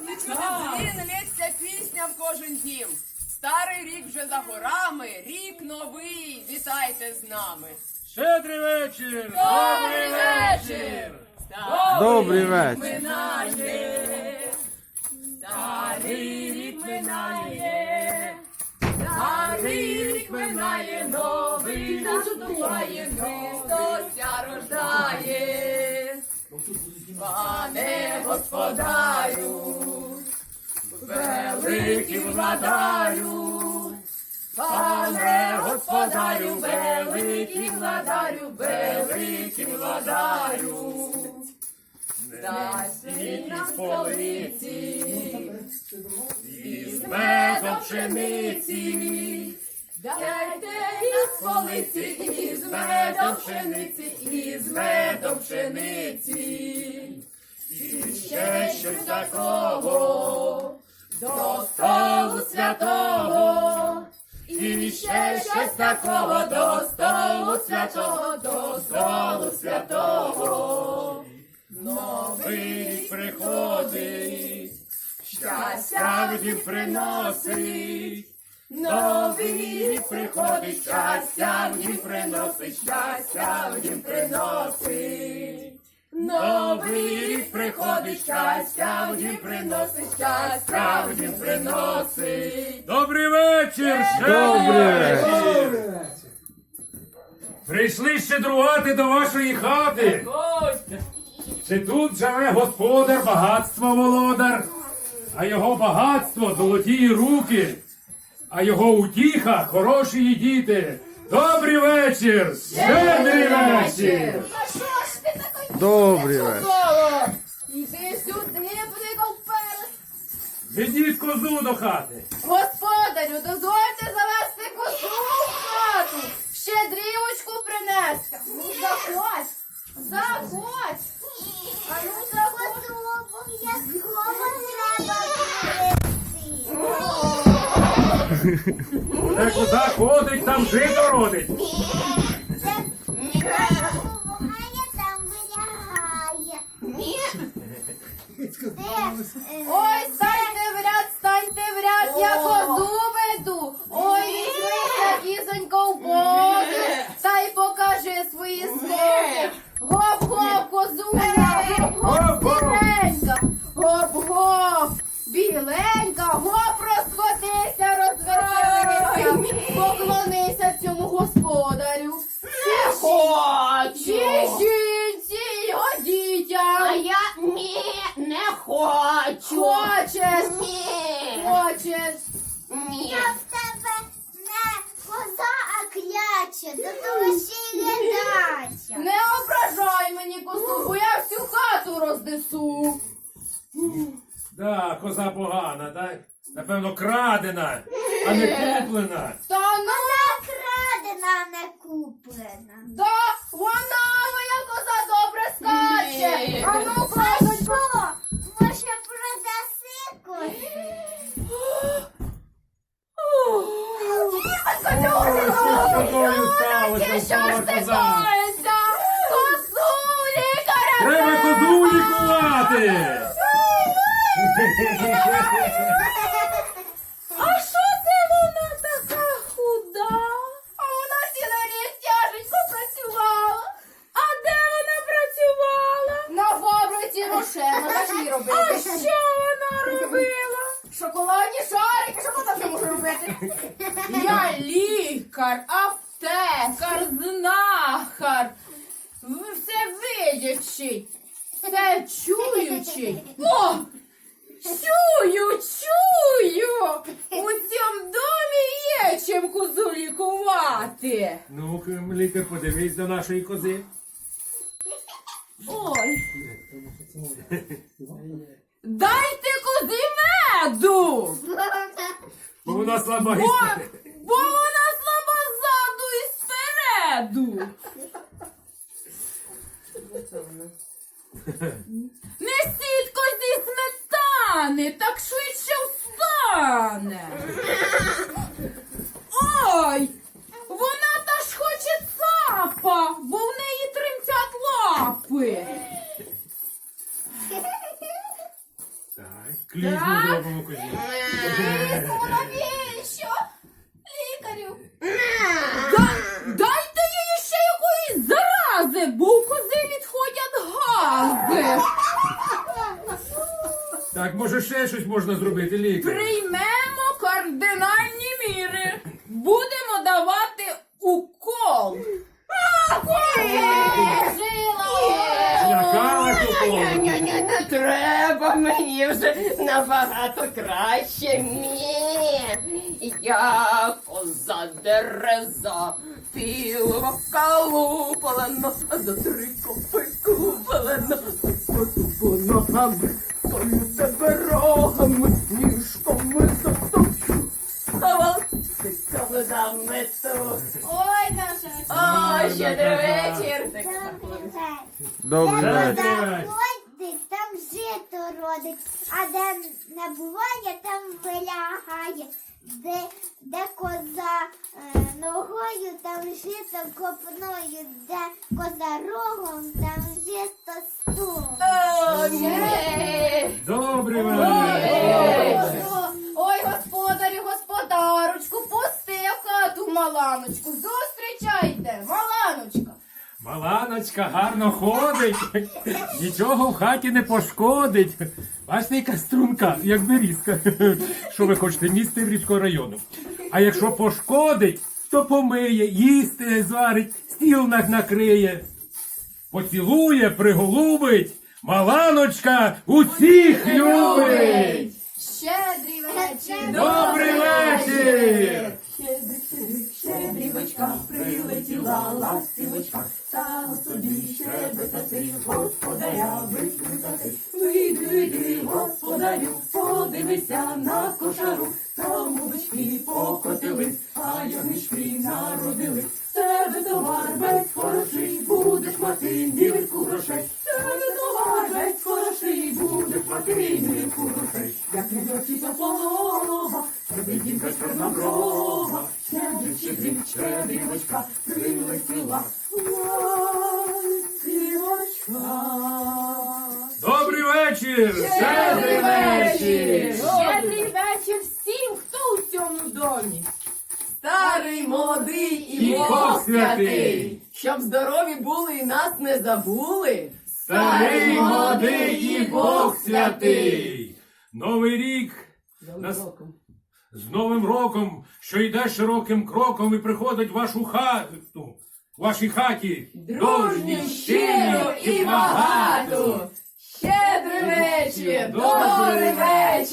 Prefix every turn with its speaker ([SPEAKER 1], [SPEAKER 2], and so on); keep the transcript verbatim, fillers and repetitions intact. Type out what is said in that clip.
[SPEAKER 1] Дзвін, лється пісня в кожен дім. Старий рік вже за горами, рік новий, вітайте з нами.
[SPEAKER 2] Щедрий вечір!
[SPEAKER 1] Добрий вечір!
[SPEAKER 3] Добрий вечір!
[SPEAKER 1] Минає, старий рік минає, старий рік минає, новий наступає, Христося рождає. Пане господарю, великий владарю, пане господарю, великий владарю, великий владарю, дасть він нам столиці, із медом пшениці, дайте із столиці, із медом пшениці, із медом пшениці, і ще щось такого, до столу святого, і ще щось такого, до столу святого, до столу святого. Новий рік приходить, щастя в дім приносить. Новий рік приходить, щастя в дім приносить, щастя в дім приносить. Новий рік приходить, щастя в дім приносить, щастя в дім приносить.
[SPEAKER 2] Добрий вечір!
[SPEAKER 3] Добрий вечір!
[SPEAKER 2] Прийшли щедрувати до вашої хати.
[SPEAKER 1] Гостя!
[SPEAKER 2] Чи тут живе господар, багатство володар, а його багатство золоті руки, а його утіха хороші діти. Добрий вечір! Щедрий вечір!
[SPEAKER 4] А що ж ти такий?
[SPEAKER 3] Добрий вечір!
[SPEAKER 4] Іди сюди, бликав перес.
[SPEAKER 2] Ведіть козу до хати.
[SPEAKER 4] Господарю, дозвольте завести козу в хату. Щедрівочку принести. Ну, заходь, заходь. А ну, заходь. Обов'язково треба
[SPEAKER 2] Де коза ходить, там жито родить.
[SPEAKER 4] Ой, станьте в ряд, станьте в ряд, я козу веду. Ой, візьмися, кізонько, в боки, та й покажи свої скоки. Гоп-гоп, козуня, гоп-гоп, біленька, гоп-гоп, біленька, гоп, розходися, розвернися, поклонися цьому господарю. Чи жінці, його дітям.
[SPEAKER 5] А я ні, не хочу.
[SPEAKER 4] Хочеш?
[SPEAKER 5] Ні.
[SPEAKER 4] Хочеш?
[SPEAKER 5] Ні.
[SPEAKER 6] Я в тебе не коза, а кляча, зато ще й ледача.
[SPEAKER 4] Не ображай мені козу, бо я всю хату рознесу.
[SPEAKER 2] Да, коза погана, так? Напевно, крадена, а не куплена.
[SPEAKER 4] Та ну,
[SPEAKER 6] Вона крадена, а не куплена.
[SPEAKER 4] да, вона моя коза добре скаче.
[SPEAKER 5] Ні.
[SPEAKER 4] А ну,
[SPEAKER 6] А
[SPEAKER 4] козонько.
[SPEAKER 6] що? Може, продаси козу?
[SPEAKER 2] Що з тобою сталося,
[SPEAKER 4] Що ж
[SPEAKER 2] впала
[SPEAKER 4] ти
[SPEAKER 2] коза?
[SPEAKER 4] коїться? Козу лікаря.
[SPEAKER 2] Треба козу лікувати!
[SPEAKER 4] А що це вона така худа? А вона цілий рік тяженько працювала. А де вона працювала? На фабриці Рошена, так їй робити. А що вона робила? Шоколадні шарики, що вона вже може робити? Я лікар, аптекар, знахар, все видячий, все чуючий. О! Чую, чую! У цьому домі є чим козу лікувати.
[SPEAKER 2] Ну, лікар, подивись до нашої кози.
[SPEAKER 4] Ой. Дайте козі меду!
[SPEAKER 2] Бо вона слаба
[SPEAKER 4] Бо,
[SPEAKER 2] історія.
[SPEAKER 4] бо вона слаба ззаду і спереду. Несіть козі сметани, так швидше встане. Ой, вона та ж хоче цапа, бо в неї тремтять лапи.
[SPEAKER 2] клізму
[SPEAKER 4] Так.
[SPEAKER 2] зробимо козі.
[SPEAKER 6] Навіщо? Лікарю.
[SPEAKER 4] Дайте їй ще якоїсь зарази, бо у кози відходять гази.
[SPEAKER 2] Так, може ще щось можна зробити, лікар?
[SPEAKER 4] Приймемо кардинальні міри. Будемо давати укол.
[SPEAKER 2] Злякала тупо.
[SPEAKER 5] Ні-ні, не треба мені вже набагато краще. Ні. Я коза дереза, піврока лупалена, а за три копи купалена, по тупо ногами, стою тебе рогами, ніжками затопчу, а вас тиками замету.
[SPEAKER 6] Ой, наша.
[SPEAKER 5] О, щедрий вечір.
[SPEAKER 6] Добрий вечір.
[SPEAKER 3] Добрий
[SPEAKER 6] Де
[SPEAKER 3] вечір.
[SPEAKER 2] вечір.
[SPEAKER 6] заходить, там жито родить, а де не буває, там вилягає. Де, де коза е, ногою, там жито копною, де коза рогом, там жито стулом.
[SPEAKER 5] О, ні.
[SPEAKER 2] Добрий вечір.
[SPEAKER 4] Ой, господарю, господарочку, пусти в хату маланочку. Зустрічайте, маланочка.
[SPEAKER 2] Маланочка гарно ходить, нічого в хаті не пошкодить. Бачите, яка струнка, як берізка. Що ви хочете, місто Іврівського району. А якщо пошкодить, то помиє, їсти зварить, стіл на- накриє. Поцілує, приголубить, Маланочка усіх любить.
[SPEAKER 4] Щедрий вечір.
[SPEAKER 2] Добрий вечір!
[SPEAKER 5] Щедрівочка прилетіла ластівочка, стала собі щебетати, господаря викликати. Вийди, вийди, господарю, подивися на кошару, там бубочки покотились, а ягнички народились. Тебе товар весь хороший, будеш мати мірку грошей. Тебе товар весь хороший, будеш мати мірку грошей. Як не дочиться полога, тебе дівка чорноброва, щедрик, щедрик, щедрівочка, прилетіла ластівочка.
[SPEAKER 2] Добрий вечір! Щедрий вечір!
[SPEAKER 4] Щедрий вечір всім, хто у цьому домі.
[SPEAKER 5] Старий, молодий і
[SPEAKER 2] І Бог святий,
[SPEAKER 5] щоб здорові були і нас не забули.
[SPEAKER 2] Старий, молодий і Бог святий! Новий рік нас... з Новим роком, що йде широким кроком і приходить в вашу хату, в вашій хаті, дружні, щиро і багато.
[SPEAKER 5] Щедрий вечір!
[SPEAKER 2] Добрий
[SPEAKER 5] вечір!